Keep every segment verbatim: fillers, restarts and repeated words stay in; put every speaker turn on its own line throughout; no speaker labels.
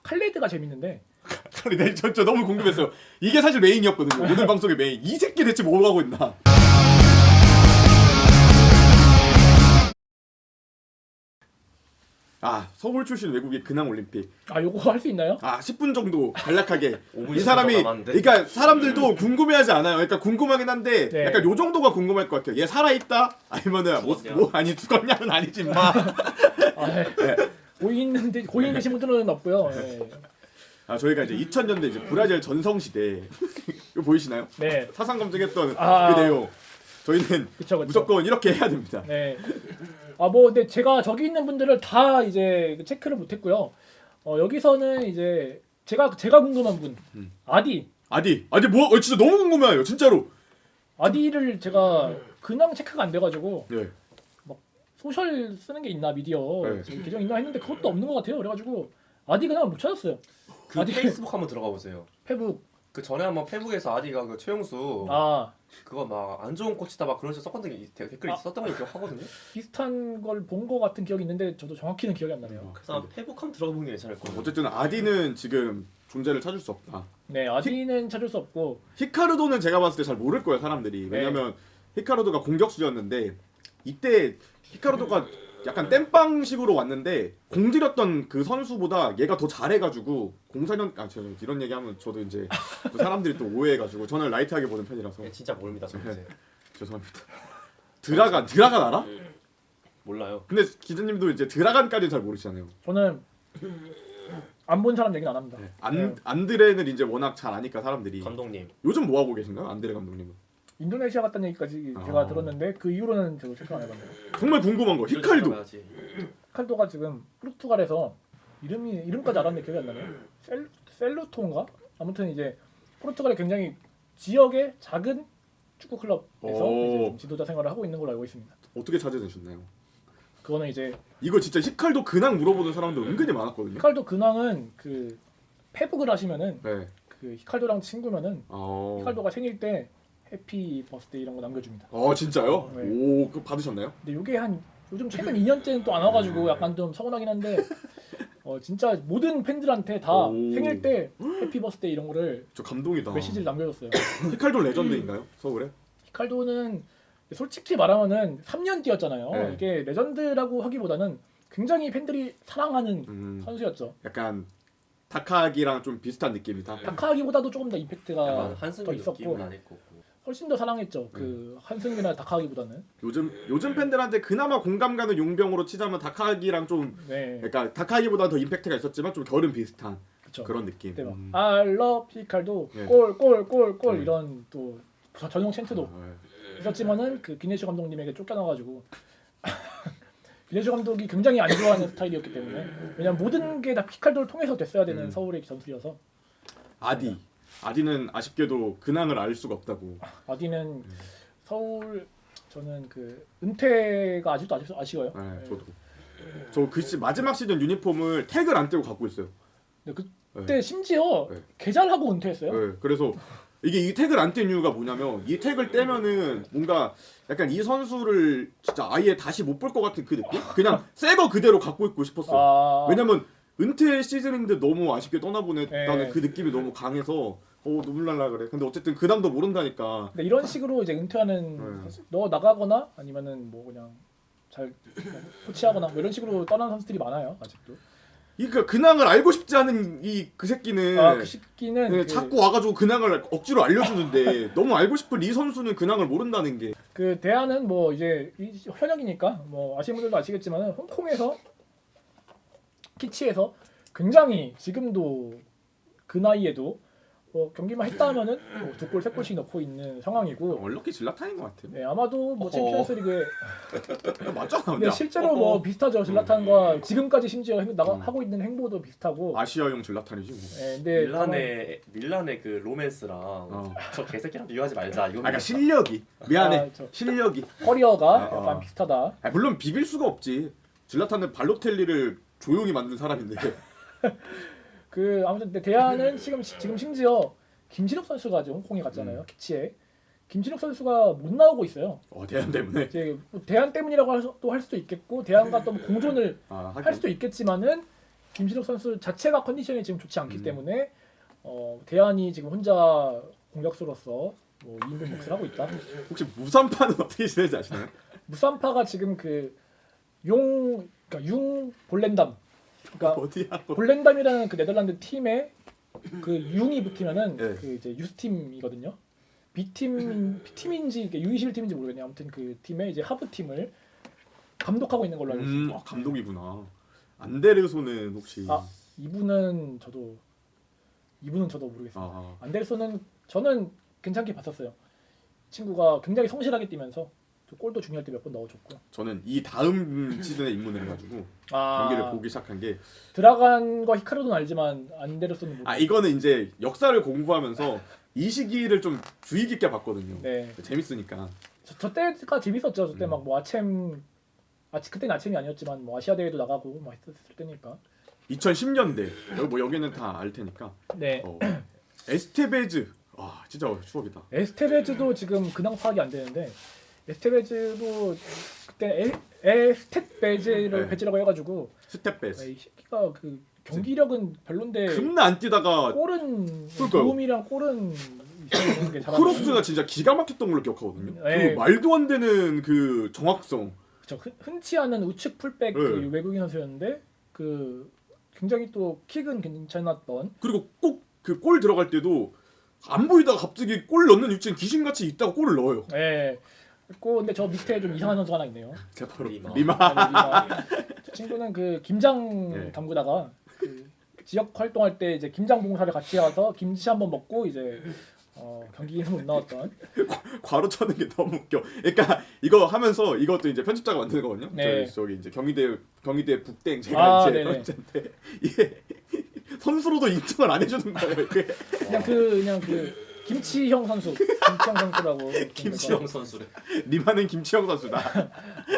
칼레드가 재밌는데.
아니, 네, 저, 저 너무 궁금했어요. 이게 사실 메인이었거든요. 오늘 방송의 메인. 이 새끼 대체 뭐 하고 있나? 아, 서울 출신 외국인 근황 올림픽.
아 요거 할 수 있나요?
아, 십 분 정도 간략하게.
오 분
이 사람이
남았는데?
그러니까 사람들도 궁금해하지 않아요. 그러니까 궁금하긴 한데
네.
약간 요 정도가 궁금할 것 같아요. 얘 살아 있다? 아니면은 뭐,
죽었냐?
뭐 아니 죽었냐는 아니지 마.
아, 네. 고인 고인 되신 분들은 없고요. 네.
아, 저희가 이제 이천 년대 이제 브라질 전성 시대 이거 보이시나요?
네.
사상 검증했던
아,
그 내용. 저희는
그쵸, 그쵸.
무조건 이렇게 해야 됩니다.
네. 아 뭐 근데 제가 저기 있는 분들을 다 이제 체크를 못했고요. 어 여기서는 이제 제가 제가 궁금한 분
음.
아디
아디, 아디 뭐 어, 진짜 너무 궁금해요, 진짜로.
아디를 제가 근황 체크가 안 돼가지고
네.
소셜 쓰는 게 있나 미디어
네.
지금 계정 있나 했는데 그것도 없는 것 같아요. 그래가지고 아디 근황을 못 찾았어요.
그
아디-
페이스북 한번 들어가 보세요.
페북
그 전에 한번 페북에서 아디가 그 최용수
아
그거 막 안 좋은 코치다 막 그런 식으로 썼던 게 댓글이
아.
썼던 걸 기억하거든요.
비슷한 걸 본 것 같은 기억이 있는데 저도 정확히는 기억이 안 나네요.
그래서 한번 페북 한번 들어가 보는 게 괜찮을 거예요.
어쨌든 아디는 지금 존재를 찾을 수 없다.
네 아디는 찾을 수 없고
히카르도는 제가 봤을 때 잘 모를 거예요, 사람들이. 왜냐면 히카르도가 공격수였는데 이때 히카르도가 약간 땜빵식으로 왔는데 공들였던 그 선수보다 얘가 더 잘해가지고 공사년 아 저 이런 얘기하면 저도 이제 또 사람들이 또 오해해가지고 저는 라이트하게 보는 편이라서
예, 진짜 모릅니다, 저 이제.
죄송합니다. 드라간 드라간 알아?
몰라요.
근데 기자님도 이제 드라간까지는 잘 모르시잖아요.
저는 안 본 사람 얘기는 안 합니다.
안
네.
안드레는 이제 워낙 잘 아니까 사람들이.
감독님.
요즘 뭐 하고 계신가요, 안드레 감독님은?
인도네시아 갔다는 얘기까지
아.
제가 들었는데 그 이후로는 저도 체크 안 해봤네요.
정말 궁금한 거 히칼도.
가야지.
히칼도가 지금 포르투갈에서 이름이 이름까지 알았는데 기억이 안 나네요. 셀 셀루토인가? 아무튼 이제 포르투갈의 굉장히 지역의 작은 축구 클럽에서
오.
이제 지도자 생활을 하고 있는 걸로 알고 있습니다.
어떻게 찾아내셨나요?
그거는 이제
이거 진짜 히칼도 근황 물어보는 사람들 은근히 많았거든요.
히칼도 근황은 그 페북을 하시면은
네.
그 히칼도랑 친구면은
어.
히칼도가 생일 때 해피 버스데이 이런 거 남겨줍니다.
어 진짜요?
네.
오, 그거 받으셨나요?
근데 이게 한 요즘 최근 이 년째는 또 안 와가지고 약간 좀 서운하긴 한데 어 진짜 모든 팬들한테 다
오.
생일 때 해피 버스데이 이런 거를
저 감동이다.
메시지를 남겨줬어요.
히칼도 레전드인가요? 서울에?
히칼도는 솔직히 말하면은 삼 년 뛰었잖아요.
네.
이게 레전드라고 하기보다는 굉장히 팬들이 사랑하는
음,
선수였죠.
약간 다카기랑 좀 비슷한 느낌이다.
다카하기보다도 조금 더 임팩트가
약간
더
한승이
있었고
느낌은 아닐 거고.
훨씬 더 사랑했죠. 그 한승이나 다카하기보다는.
요즘 요즘 팬들한테 그나마 공감 가는 용병으로 치자면 다카기랑 좀
네.
그러니까 다카기보다 더 임팩트가 있었지만 좀 결은 비슷한
그쵸.
그런 느낌.
그때 막
음.
알러 피칼도
네.
골 골 골 골
네.
이런 또 전용 챈트도
아, 네.
있었지만은 그 기네슈 감독님에게 쫓겨나가지고 기네슈 감독이 굉장히 안 좋아하는 스타일이었기 때문에 왜냐면 모든 게 다 피칼도를 통해서 됐어야 되는
음.
서울의 전술이어서
아디. 아디는 아쉽게도 근황을 알 수가 없다고.
아디는 서울 저는 그 은퇴가 아직도 아직 아쉬워요.
네,
네.
저도. 저 그 시 마지막 시즌 유니폼을 태그를 안 떼고 갖고 있어요.
근데
네.
그때 심지어
네.
개잘하고 은퇴했어요.
네, 그래서 이게 이 태그를 안 뗀 이유가 뭐냐면 이 태그를 떼면은 뭔가 약간 이 선수를 진짜 아예 다시 못 볼 것 같은 그 느낌? 그냥 새 거 그대로 갖고 있고 싶었어요.
아,
왜냐면 은퇴 시즌인데 너무 아쉽게 떠나보냈다는
네.
그 느낌이 너무 강해서 어 눈물 날라 그래. 근데 어쨌든 근황도 모른다니까.
근데 이런 식으로 이제 은퇴하는
네.
선수, 너 나가거나 아니면은 뭐 그냥 잘 코치하거나 뭐 이런 식으로 떠난 선수들이 많아요 아직도.
그러니까 근황을 알고 싶지 않은 이 그 새끼는
아그 시기는
네,
그,
자꾸 와가지고 근황을 억지로 알려주는데 너무 알고 싶은 이 선수는 근황을 모른다는 게.
그 대안은 뭐 이제 이 현역이니까 뭐 아시는 분들도 아시겠지만은 홍콩에서 키치에서 굉장히 지금도 그 나이에도 뭐 경기만 했다 하면은 뭐 두 골, 세 골씩 넣고 있는 상황이고
얼럭키 질라탄인 것 같아.
네, 아마도 뭐
어허.
챔피언스리그에
야, 맞잖아.
근데
근데
실제로 뭐
어허.
비슷하죠. 질라탄과 지금까지 심지어 행, 나가,
음.
하고 있는 행보도 비슷하고
아시아용 질라탄이지 뭐.
네, 근데
밀란의 밀란의 그 로맨스랑
어.
저 개새끼랑 비교하지 말자. 이거
아, 그러니까 실력이 미안해.
아, 저-
실력이.
커리어가
아, 아.
약간 비슷하다.
아, 물론 비빌 수가 없지. 질라탄은 발로텔리를 조용히 만든 사람인데.
그 아무튼 근데 대안은 지금 지금 심지어 김신욱 선수가 이제 홍콩에 갔잖아요.
음.
키치에 김신욱 선수가 못 나오고 있어요.
어 대안 때문에.
이제 뭐 대안 때문이라고 또 할 수도 있겠고 대안과 또 공존을
아, 하긴.
할 수도 있겠지만은 김신욱 선수 자체가 컨디션이 지금 좋지 않기
음.
때문에 어, 대안이 지금 혼자 공격수로서 뭐 이 인분 몫을 하고 있다.
혹시 무산파는 어떻게 지내지 아시나요?
무산파가 지금 그 용 그러니까 융 볼렌담 그러니까
어디야?
볼렌담이라는 그 네덜란드 팀에 그 융이 붙으면은
네.
그 이제 유스팀이거든요. B팀 B팀인지 이게 유 이십일 팀인지 모르겠네요. 아무튼 그 팀의 이제 하부 팀을 감독하고 있는 걸로 알고
음,
있습니다.
아, 감독이구나. 안데르손은 혹시
아 이분은 저도 이분은 저도 모르겠습니다.
아,
안데르손은 저는 괜찮게 봤었어요. 친구가 굉장히 성실하게 뛰면서 또 골도 중요할 때 몇 번 넣어줬고.
저는 이 다음 시즌에 입문을 해가지고
아
경기를 보기 시작한 게
드라간 거 히카르도는 알지만 안데르손은 모르겠어요.
아 이거는 이제 역사를 공부하면서 이 시기를 좀 주의 깊게 봤거든요.
네.
재밌으니까.
저, 저 때가 재밌었죠. 저때
음.
막 뭐 아챔 아 그때는 아챔이 아니었지만 뭐 아시아 대회도 나가고 막 했었을 때니까.
이천십 년대 여기 뭐 여기는 다 알 테니까.
네.
어, 에스테베즈 와 진짜 추억이다.
에스테베즈도 지금 근황 파악이 안 되는데 에스테베즈도 그때 에, 에스테베즈를
네.
배지라고 해가지고
스텝베스.
이 새끼가 그 경기력은 별론데
겁나 안 뛰다가
골은
그러니까요.
도움이랑 골은 있는 게 잘하는.
크로스가 진짜 기가 막혔던 걸로 기억하거든요.
네.
그 말도 안 되는 그 정확성.
그쵸. 흔- 흔치 않은 우측 풀백 그
네.
외국인 선수였는데 그 굉장히 또 킥은 괜찮았던.
그리고 꼭 그 골 들어갈 때도 안 보이다가 갑자기 골 넣는 위치에 귀신같이 있다가 골을 넣어요.
예. 그리고 근데 저 밑에 좀 이상한 선수가 하나 있네요.
제가 바로
리마.
리마.
아니, 이마. 저 친구는 그 김장
네.
담그다가 그 지역 활동할 때 이제 김장 봉사를 같이 가서 김치 한번 먹고 이제 어, 경기에서 못 나왔던.
괄호 쳐는 게 너무 웃겨. 그러니까 이거 하면서 이것도 이제 편집자가 만드는 거거든요.
네.
저희, 저기 이제 경희대 경희대 북댕 제가
아,
이제
네네.
편집자인데 이게 선수로도 인정을 안 해주는 거예요. 이게
그냥 그 그냥 그 김치형 선수, 김치형 선수라고.
김치영 선수래.
리마는 김치영 선수다.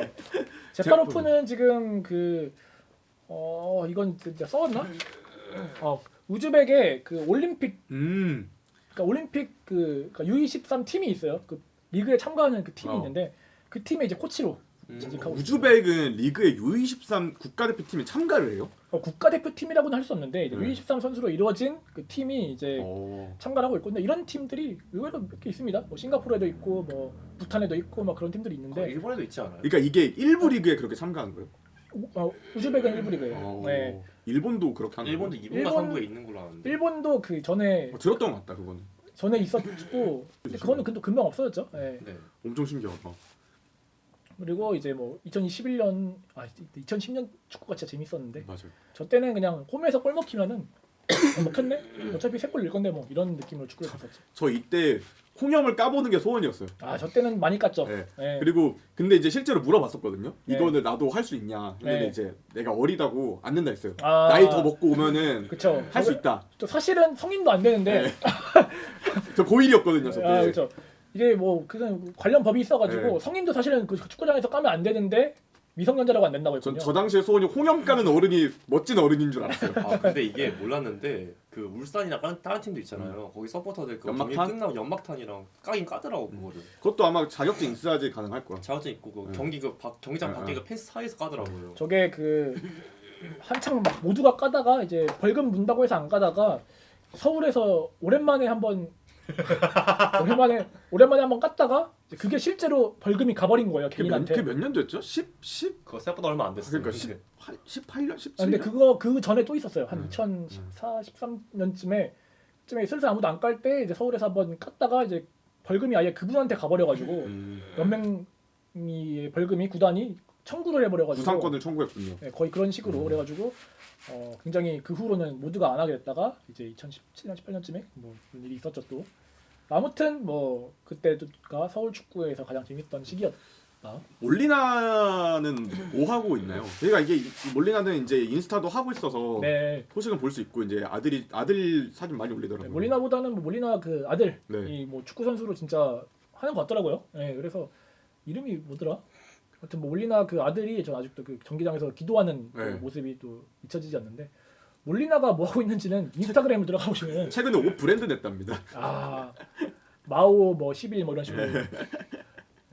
제파로프는 지금 그 어 이건 진짜 써왔나? 어 우즈벡의 그 올림픽
음.
그러니까 올림픽 그 그러니까 유 이십삼 팀이 있어요. 그 리그에 참가하는 그 팀이
어.
있는데 그 팀에 이제 코치로
음.
재직하고 있어요.
우즈벡은 리그의 유 이십삼 국가대표팀에 참가를 해요.
어, 국가대표팀이라고는 할 수 없는데 이제
네.
유 이십삼 선수로 이루어진 그 팀이 이제
어.
참가를 하고 있고 근데 이런 팀들이 의외로 몇 개 있습니다. 뭐 싱가포르에도 있고 뭐 부탄에도 있고 막 그런 팀들이
어,
있는데
일본에도 있지 않아요?
그러니까 이게 일부 리그에 그렇게 참가한 거예요.
우, 어, 우즈벡은 일부 리그예요.
어.
네.
일본도 그렇게 한
일본도
거예요.
이부가
일본-
삼부에 있는 걸로 아는데.
일본도 그 전에
어, 들었던 것 같다 그거는.
전에 있었고 근데 그거는 근데 금방 없어졌죠. 네.
네.
엄청 신기하다.
그리고 이제 뭐 이천이십일 년 아 이천십 년 축구가 진짜 재밌었는데
맞아요.
저 때는 그냥 홈에서 골 먹히면은 어, 먹혔네. 어차피 세 골 낼 건데 뭐 이런 느낌으로 축구를 봤었지.
저 이때 홍염을 까보는 게 소원이었어요.
아 저 때는 많이 깠죠.
네.
네.
그리고 근데 이제 실제로 물어봤었거든요.
네.
이거는 나도 할 수 있냐. 근데
네.
이제 내가 어리다고 안 된다 했어요.
아,
나이 더 먹고 오면은
그쵸.
할 수 있다.
저 사실은 성인도 안 되는데
네. 저 고일이었거든요. 저 때.
아 그렇죠. 이게 뭐 그냥 관련 법이 있어가지고
네.
성인도 사실은 그 축구장에서 까면 안 되는데 미성년자라고 안 된다고
전
했거든요.
저 당시에 소원이 홍염 까는 어른이 멋진 어른인 줄 알았어요.
아 근데 이게 몰랐는데 그 울산이나 다른, 다른 팀도 있잖아요. 거기 서포터들 그 경기
연막탄?
끝나고 연막탄이랑 까긴 까더라고 그거를.
그것도 아마 자격증 있어야지 가능할 거야.
자격증 있고 그
네.
경기 그 박, 경기장
네,
밖에
네.
그 펜스 사이에서 까더라고요.
저게 그 한창 막 모두가 까다가 이제 벌금 문다고 해서 안 까다가 서울에서 오랜만에 한번 오랜만에 오랜만에 한번 깠다가 이제 그게 실제로 벌금이 가버린 거예요
그게 몇,
개인한테.
그게 몇 년도였죠? 십, 십?
그거 생각보다 얼마 안 됐어요.
그러니까 십팔, 십팔 년,
아,
십칠
근데
년?
그거 그 전에 또 있었어요. 한
음,
이천십사, 십삼 년쯤에 쯤에 슬슬 아무도 안 깔 때 이제 서울에서 한번 깠다가 이제 벌금이 아예 그분한테 가버려가지고
음,
몇 명이 벌금이 구단이 청구를 해버려가지고
부상권을 청구했군요.
네, 거의 그런 식으로
음.
그래가지고 어, 굉장히 그 후로는 모두가 안 하게 됐다가 이제 이천십칠 년, 십팔 년쯤에 뭐 그런 일이 있었죠 또. 아무튼 뭐 그때가 서울 축구에서 가장 재밌던 시기였다.
몰리나는 뭐 하고 있나요? 그러니까 이게 이- 몰리나는 이제 인스타도 하고 있어서
네.
소식은 볼 수 있고 이제 아들이 아들 사진 많이 올리더라고요.
네, 몰리나보다는 뭐 몰리나 그 아들이
네.
뭐 축구 선수로 진짜 하는 것 같더라고요. 네, 그래서 이름이 뭐더라? 하여튼 뭐 몰리나 그 아들이 저 아직도 그 경기장에서 기도하는 그
네.
모습이 또 잊혀지지 않는데 몰리나가 뭐 하고 있는지는 인스타그램을 들어가 보시면
최근에 옷 브랜드 냈답니다.
아 마오 뭐 십일 뭐 이런 식으로 네,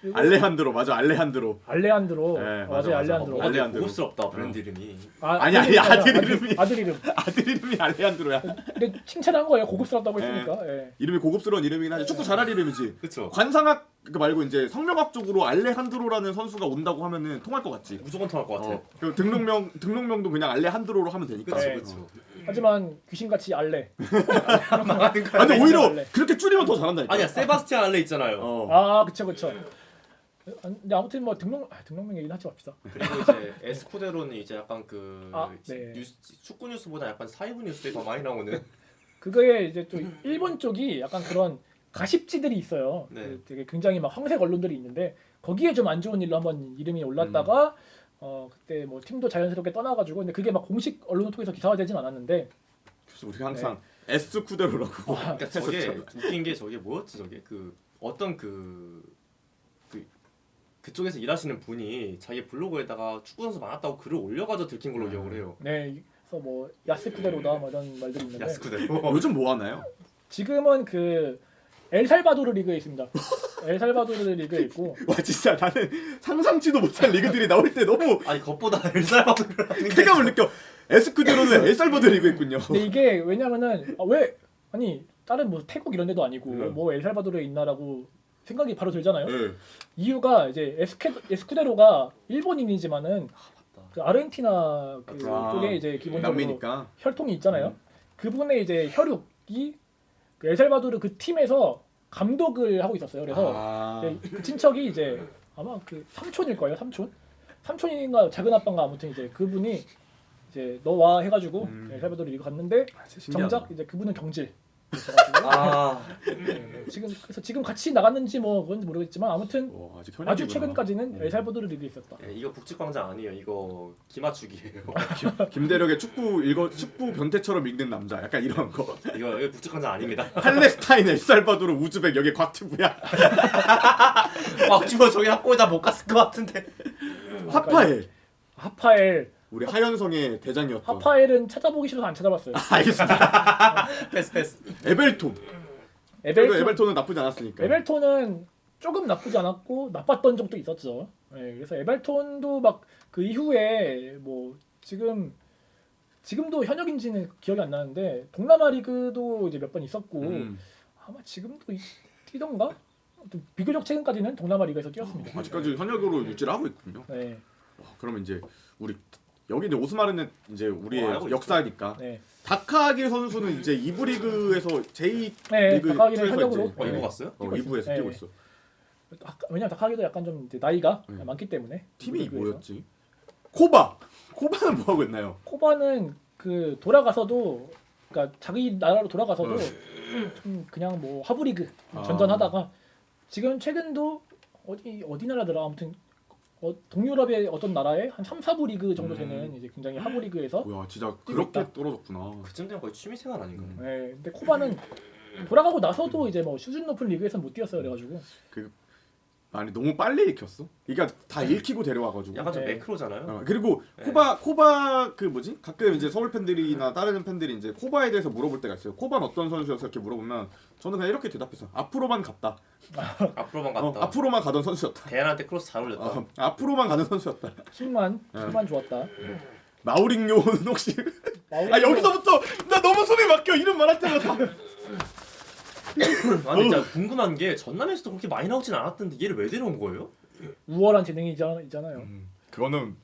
그리고
알레한드로 맞아 알레한드로.
알레한드로.
네,
어,
맞아,
맞아요,
맞아.
알레한드로.
어,
어,
알레한드로.
고급스럽다 브랜드 이름이.
아,
아니, 아니, 아들
아들,
이름이.
아들 이름.
아들 이름이 알레한드로야.
근데 칭찬한 거예요. 고급스럽다고
네.
했으니까. 예.
이름이 고급스러운 이름이긴 하지. 축구 잘할 이름이지.
그쵸.
관상학 그 말고 이제 성명학 쪽으로 알레한드로라는 선수가 온다고 하면은 통할 것 같지.
무조건 통할 것 같아.
어. 그 등록명 등록명도 그냥 알레한드로로 하면 되니까.
그쵸
네.
그쵸.
하지만 귀신같이 알레.
아, 근데 오히려
알레.
그렇게 줄이면 더 잘한다니까.
아니야 세바스티안 알레 있잖아요.
어.
아, 그쵸, 그쵸. 근데 아무튼 뭐 등록 아, 등록명 얘기는 하지 맙시다.
그리고 이제 에스쿠데로는 이제 약간 그
아, 네.
뉴스, 축구 뉴스보다 약간 사이버 뉴스에 더 많이 나오는.
그거에 이제 좀 일본 쪽이 약간 그런 가십지들이 있어요.
네.
그 되게 굉장히 막 황색 언론들이 있는데 거기에 좀 안 좋은 일로 한번 이름이 올랐다가
음.
어 그때 뭐 팀도 자연스럽게 떠나가지고 근데 그게 막 공식 언론을 통해서 기사화되진 않았는데
그래서 우리가 항상 에스쿠데로라고.
그러니까 저게 웃긴 게 저게 뭐였지 저게 그 어떤 그, 그 그쪽에서 일하시는 분이 자기 블로그에다가 축구 선수 많았다고 글을 올려가지고 들킨 걸로 기억을 해요.
네 그래서 뭐 야스쿠데로다 뭐 이런 말들이 있는데
야스쿠데로.
요즘 뭐 하나요?
지금은 그 엘살바도르 리그에 있습니다. 엘살바도르 리그에 있고
와 진짜 나는 상상치도 못한 리그들이 나올 때 너무
아니 그것보다 엘살바도르라는 게
쾌감을 느껴. 에스쿠데로는 엘살바도르 리그 있군요.
근데 이게 왜냐면은 아, 왜 아니 다른 뭐 태국 이런 데도 아니고
네.
뭐 엘살바도르에 있나라고 생각이 바로 들잖아요.
네.
이유가 이제 에스케, 에스쿠데로가 일본인이지만은
맞다.
그 아르헨티나 그
아,
쪽에 이제 기본적으로
남미니까.
혈통이 있잖아요.
음.
그분의 이제 혈육이 그 엘살바도르 그 팀에서 감독을 하고 있었어요. 그래서
아.
이제 그 친척이 이제 아마 그 삼촌일 거예요. 삼촌. 삼촌인가 작은 아빠인가 아무튼 이제 그분이 이제 너와 해가지고
음.
엘살바도르 리그 갔는데
아, 진짜 신기하다.
정작 이제 그분은 경질.
아
네, 지금 그래서 지금 같이 나갔는지 뭐 그런지 모르겠지만 아무튼
와, 아직
아주
현역이구나.
최근까지는
음.
엘살바도르 리그에 있었다.
예, 이거 북측광장 아니에요. 이거 기맞추기예요.
김대력의 축구 읽어 축구 변태처럼 읽는 남자. 약간 이런 거.
이거 이거 북측광장 아닙니다.
팔레스타인, 엘살바도르, 우즈벡 여기 곽튜브야.
막 주워 저기 학교에다 못 갔을 것 같은데.
하파엘.
하파엘.
우리 하현성의 대장이었던.
하파엘은 찾아보기 싫어서 안 찾아봤어요.
알겠습니다.
패스 패스.
에벨톤.
에벨톤,
에벨톤. 에벨톤은 나쁘지 않았으니까.
에벨톤은 조금 나쁘지 않았고 나빴던 적도 있었죠. 네, 그래서 에벨톤도 막 그 이후에 뭐 지금 지금도 현역인지는 기억이 안 나는데 동남아 리그도 이제 몇 번 있었고
음.
아마 지금도 이- 뛰던가? 아무튼 비교적 최근까지는 동남아 리그에서 뛰었습니다.
아직까지 현역으로 유지를 하고 있군요.
네,
와, 그러면 이제 우리 여기 이제 오스마르는 이제 우리의
어, 알고 있죠.
역사니까
네,
다카기 선수는 이제 이 부 리그에서 제이
네.
리그
다카기는
투에서
현역으로.
이제,
어 이거
네.
봤어요?
어, 이 부에서
네.
뛰고 있어.
아까- 왜냐면 다카기도 약간 좀 이제 나이가
네.
많기 때문에
팀이
리그에서.
뭐였지? 코바. 코바는 뭐 하고 있나요?
코바는 그 돌아가서도 그러니까 자기 나라로 돌아가서도
어.
좀 그냥 뭐 하부리그
아.
전전하다가 지금 최근도 어디 어디 나라더라 아무튼 어, 동유럽의 어떤 나라에 한 삼, 사 부 리그 정도 되는
음.
이제 굉장히 하부리그에서
뭐야, 진짜
뛰고
그렇게
있다.
떨어졌구나.
그쯤 되면 거의 취미생활 아닌가요?
음.
네, 근데 코바는 돌아가고 나서도 이제 뭐 수준 높은 리그에서 못 뛰었어요 그래가지고
아니 너무 빨리 읽혔어. 그러니까 다 읽히고 데려와가지고.
약간 좀
네.
매크로잖아요.
어, 그리고
네.
코바 코바 그 뭐지? 가끔 이제 서울 팬들이나 다른 팬들이 이제 코바에 대해서 물어볼 때가 있어요. 코바는 어떤 선수였어? 이렇게 물어보면 저는 그냥 이렇게 대답했어요. 앞으로만 갔다.
앞으로만
어,
갔다.
앞으로만 가던 선수였다.
대안한테 크로스 잘 올렸다.
어, 앞으로만 가는 선수였다.
힘만
네.
힘만 좋았다.
마우링요는 혹시
마우리뉴-
아 여기서부터 나 너무 손에 막혀 이름 말할 때마다.
아니 진짜 궁금한 게 전남에서도 그렇게 많이 나오진 않았던데 얘를 왜 데려온 거예요?
우월한 재능이잖아요. 있잖아요.
음, 그거는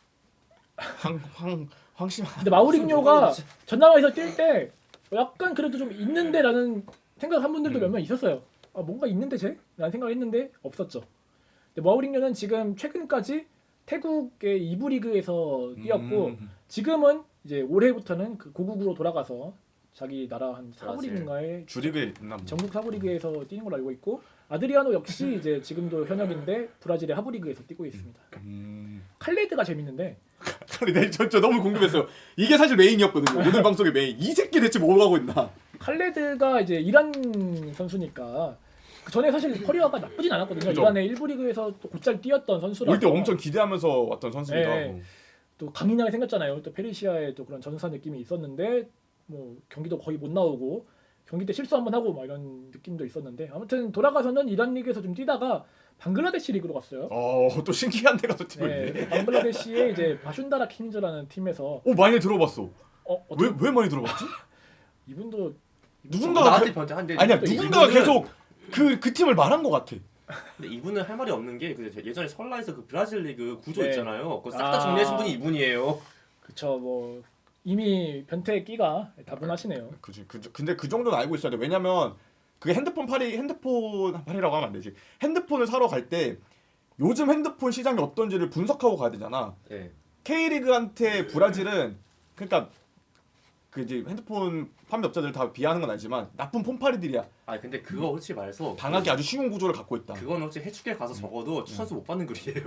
황황 황심.
근데 마우리뉴가 전남에서 뛸 때 약간 그래도 좀 있는데라는 생각한 분들도
음.
몇 명 있었어요. 아 뭔가 있는데 쟤? 라는 생각을 했는데 없었죠. 근데 마우리뉴는 지금 최근까지 태국의 이 부 리그에서 뛰었고
음.
지금은 이제 올해부터는 그 고국으로 돌아가서 자기 나라 한 사 부
브라질.
리그인가에
주립에 있나 뭐.
전국 사 부 리그에서 뛰는 걸로 알고 있고 아드리아노 역시 이제 지금도 현역인데 브라질의 하부 리그에서 뛰고 있습니다.
음.
칼레드가 재밌는데
아니, 네, 저, 저 너무 궁금했어요. 이게 사실 메인이었거든요. 오늘 방송의 메인. 이 새끼 대체 뭐 하고 있나?
칼레드가 이제 이란 선수니까 그 전에 사실 커리어가 나쁘진 않았거든요.
그죠.
이란의 일 부 리그에서 또 곧잘 뛰었던 선수라서
올 때 엄청 기대하면서 왔던 선수기도
네.
하고.
또 강인하게 생겼잖아요. 또 페르시아의 또 그런 전사 느낌이 있었는데 뭐 경기도 거의 못 나오고 경기 때 실수 한번 하고 막 이런 느낌도 있었는데 아무튼 돌아가서는 이란 리그에서 좀 뛰다가 방글라데시 리그로 갔어요.
어또 신기한 데가 또 뛰고 있네.
네, 방글라데시의 이제 바슌다라 킹즈라는 팀에서
오 많이 들어봤어.
어,
왜
어떻게
왜 많이 들어봤지?
이분도
누군가가
나한테
그,
변태 한데
아니야
또
누군가가
이분은-
계속 그 그 팀을 말한 것 같아.
근데 이분은 할 말이 없는 게 그 예전에 설라에서 그 브라질 리그 구조
네.
있잖아요. 그거 싹 다
아.
정리해준 분이 이분이에요.
그쵸 뭐 이미 변태의 끼가 다분하시네요.
그지. 그, 근데 그 정도는 알고 있어야 돼. 왜냐면 그게 핸드폰 팔이 핸드폰 팔이라고 하면 안 되지. 핸드폰을 사러 갈 때 요즘 핸드폰 시장이 어떤지를 분석하고 가야 되잖아.
네.
K리그한테 브라질은 그러니까 그 이제 핸드폰 판매업자들 다 비하하는 건 알지만 나쁜 폰팔이들이야.
아 근데 그거 솔직히 말해서
당하기 아주 쉬운 구조를 갖고 있다.
그거는 혹시 해축에 가서 적어도 추천수 못 받는 글이에요.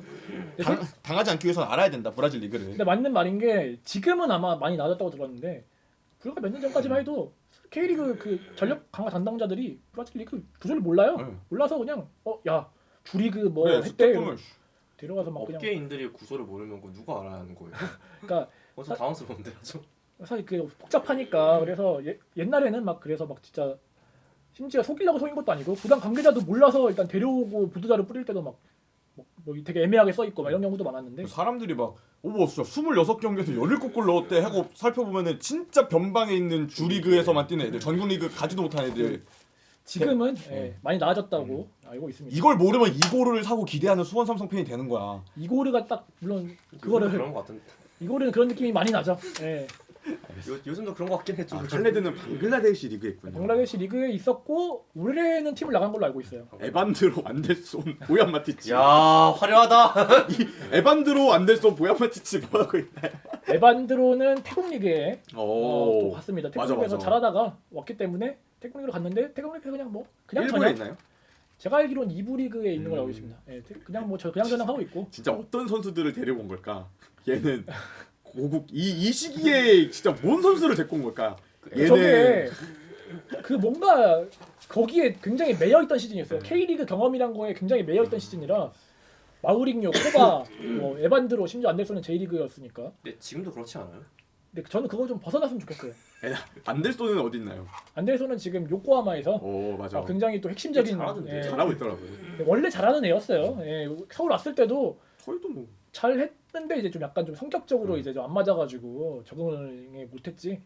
당, 당하지 않기 위해서는 알아야 된다 브라질 리그를.
근데 맞는 말인 게 지금은 아마 많이 나아졌다고 들었는데 불과 몇 년 전까지만 해도 K리그 그 전력 강화 담당자들이 브라질 리그 구조를 몰라요.
네.
몰라서 그냥 어 야 주리그 뭐
그래
했대
스태프는
데려가서 막 그냥
업계인들이 구조를 모르면 그거 누가 알아야 하는 거예요?
그러니까
어, 좀 당황스러운데 좀.
사실 그 복잡하니까 그래서 예, 옛날에는 막 그래서 막 진짜 심지어 속이려고 속인 것도 아니고 구단 관계자도 몰라서 일단 데려오고 보도자료 뿌릴 때도 막 뭐, 뭐 되게 애매하게 써 있고 막 이런 경우도 많았는데
사람들이 막 오버 진짜 스물여섯 경기에서 열일곱 골 넣었대 하고 살펴보면은 진짜 변방에 있는 주리그에서만 뛰는 애들 전국 리그 가지도 못한 애들
지금은 예,
네.
많이 나아졌다고 알고 있습니다.
이걸 모르면 이고르를 사고 기대하는 수원 삼성 팬이 되는 거야.
이고르가 딱 물론
그거는
그거를
그런 거 같은.
이고르는 그런 느낌이 많이 나죠. 예.
요, 요즘도 그런 거 같긴 했죠.
아, 칼레드는 방글라데시 리그에 있군요.
방글라데시 리그에 있었고 올해는 팀을 나간 걸로 알고 있어요.
에반드로 안델손 보얀 마티치.
야 화려하다.
이 에반드로 안델손 보얀 마티치 뭐 하고 있나요?
에반드로는 태국 리그에 어, 또
오.
갔습니다. 태국
맞아,
리그에서
맞아.
잘하다가 왔기 때문에 태국 리그로 갔는데 태국 리그에서 그냥 뭐 그냥
일본에
저냥
있나요?
제가 알기로는 이 부 리그에 있는 걸
음.
알고 있습니다. 예, 태- 그냥 뭐 저 그냥 저냥 하고 있고
진짜 어떤 선수들을 데려온 걸까? 얘는 고국 이, 이 시기에 진짜 뭔 선수를 데리고 온 걸까? 얘는
저게 그 뭔가 거기에 굉장히 매여 있던 시즌이었어요.
네.
K리그 경험이란 거에 굉장히 매여 있던 시즌이라 마우링요, 코바, 뭐 에반드로 심지어 안델슨은 J리그였으니까.
근데 지금도 그렇지 않아요?
근데 저는 그거 좀 벗어났으면 좋겠어요.
안델손은 어디 있나요?
안델슨은 지금 요코하마에서
오 맞아.
아, 굉장히 또 핵심적인
잘하던데.
예,
잘하고 있더라고요.
원래 잘하는 애였어요. 예, 서울 왔을 때도
저희도 뭐
잘 했는데 이제 좀 약간 좀 성격적으로
음.
이제 좀 안 맞아가지고 적응을 못했지.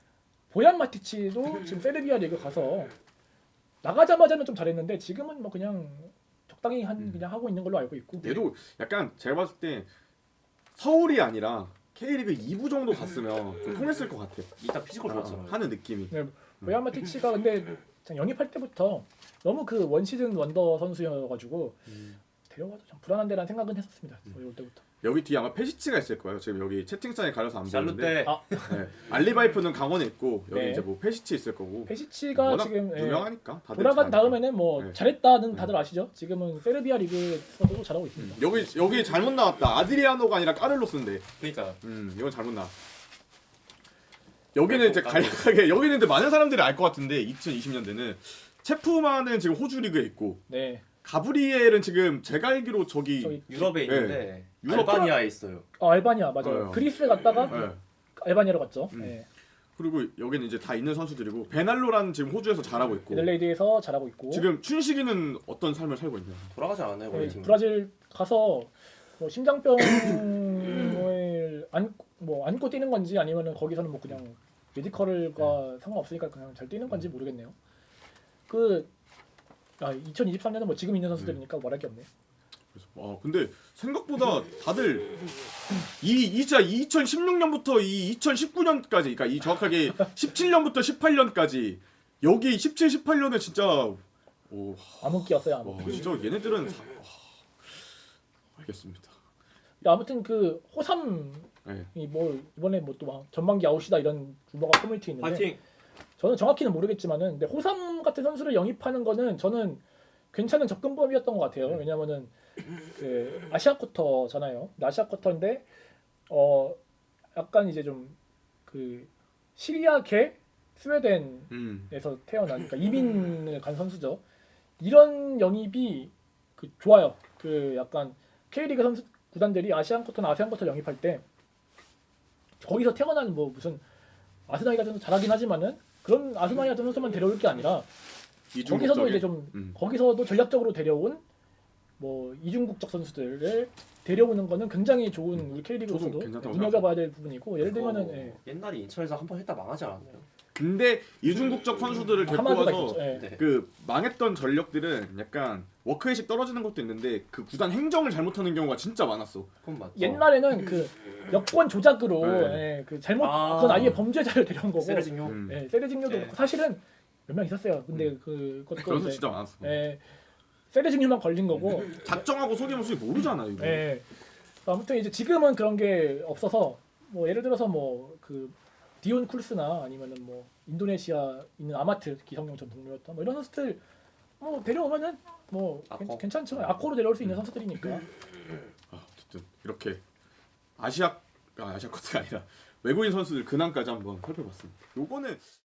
보얀 마티치도 지금 세르비아 리그 가서 나가자마자는 좀 잘했는데 지금은 뭐 그냥 적당히 한
음.
그냥 하고 있는 걸로 알고 있고.
얘도 약간 제가 봤을 때 서울이 아니라 K리그 이 부 정도 갔으면 좀 통했을 것 같아.
이따 피지컬
아,
좋았잖아요.
하는 느낌이.
네, 보얀 마티치가 근데 참 영입할 때부터 너무 그 원시즌 원더 선수여가지고
음.
데려가도 좀 불안한데라는 생각은 했었습니다.
음.
올 때부터.
여기 뒤에 아마 페시치가 있을 거예요. 지금 여기 채팅창에 가려서 안
샬루
보이는데.
때
아.
네. 알리바이프는 강원에 있고 여기
네.
이제 뭐 페시치 있을 거고.
페시치가
워낙
지금 예,
유명하니까 다들
돌아간
잘 알죠.
다음에는 뭐
네.
잘했다는 다들 아시죠? 지금은 세르비아 리그에서도 잘하고 있습니다.
여기 여기 잘못 나왔다. 아드리아노가 아니라 까를로스인데.
그러니까
음 이건 잘못 나. 여기는 이제 간략하게 여기는 근데 많은 사람들이 알 것 같은데 이천이십 년대는 체프만은 지금 호주 리그에 있고
네.
가브리엘은 지금 제가 알기로 저기,
저기
유럽에
네.
있는데
유럽
알바니아에 있어요.
어, 알바니아 맞아요.
어.
그리스에 갔다가
네.
알바니아로 갔죠.
음.
네.
그리고 여기는 이제 다 있는 선수들이고 베날로라는 지금 호주에서 잘하고 있고
에들레이드에서 잘하고 있고
지금 춘식이는 어떤 삶을 살고 있냐?
돌아가지 않았나요 원래
네,
팀?
브라질 가서 뭐 심장병을 안고 뭐 안고 뛰는 건지 아니면은 거기서는 뭐 그냥 메디컬과 상관없으니까 그냥 잘 뛰는 건지 모르겠네요. 그 아, 이천이십삼 년은 뭐 지금 있는 선수들이니까 말할 게 없네.
그래서 아 근데 생각보다 다들 이, 이 진짜 이천십육 년부터 이 이천십구 년까지 그러니까 이 정확하게 십칠 년부터 십팔 년까지 여기 십칠, 십팔 년에 진짜 오,
암흑기였어요.
와,
암흑기.
진짜 얘네들은 사, 와, 알겠습니다.
아무튼 그 호삼이
네.
뭐 이번에 뭐 또 전반기 아웃이다 이런 루머가 커뮤니티 있는데
파이팅.
저는 정확히는 모르겠지만은 근데 호삼 같은 선수를 영입하는 거는 저는 괜찮은 접근법이었던 것 같아요. 왜냐면은 그 아시아 쿼터잖아요. 아시아 쿼터인데 어 약간 이제 좀 그 시리아계 스웨덴에서
음.
태어난 그러니까 이민을 간 선수죠. 이런 영입이 그 좋아요. 그 약간 K리그 선수 구단들이 아시안 쿼터나 아세안 쿼터 영입할 때 거기서 태어난 뭐 무슨 아스날이 가서 잘하긴 하지만은 그런 아주마니 같은 선수만 데려올 게 아니라
이중국적인-
거기서도 이제 좀
음.
거기서도 전략적으로 데려온 뭐 이중국적 선수들을 데려오는 거는 굉장히 좋은 우리 K리그로서도
저도 괜찮다고
눈여겨봐야 될 부분이고 예를
그거
들면은 예,
옛날에 인천에서 한 번 했다 망하지 않았나요?
근데 이중국적 선수들을 데리고
하마드가
와서
있었죠. 예.
네.
그 망했던 전력들은 약간 워크의식 떨어지는 것도 있는데 그 구단 행정을 잘못하는 경우가 진짜 많았어.
그건 맞죠.
옛날에는 그 여권 조작으로
네.
예, 그 잘못
아.
그건 아예 범죄자를 데려온 거고
세레징요.
음.
예, 세레징요도
네.
그렇고 사실은 몇 명 있었어요. 근데 그
그런
그것도
수
이제
진짜 많았어.
예, 세레징요만 걸린 거고
작정하고 속이면 수이 모르잖아 이거.
예. 아무튼 이제 지금은 그런 게 없어서 뭐 예를 들어서 뭐 그 디온 쿨스나 아니면은 뭐 인도네시아 있는 아마트 기성용 전 동료였던 뭐 이런 선수들 뭐 데려오면은 뭐 괜-
아코.
괜찮죠. 아코로 데려올 수 있는 선수들이니까.
아, 어쨌든 이렇게 아시아 아, 아시아 커트가 아니라 외국인 선수들 근황까지 한번 살펴봤습니다. 요거는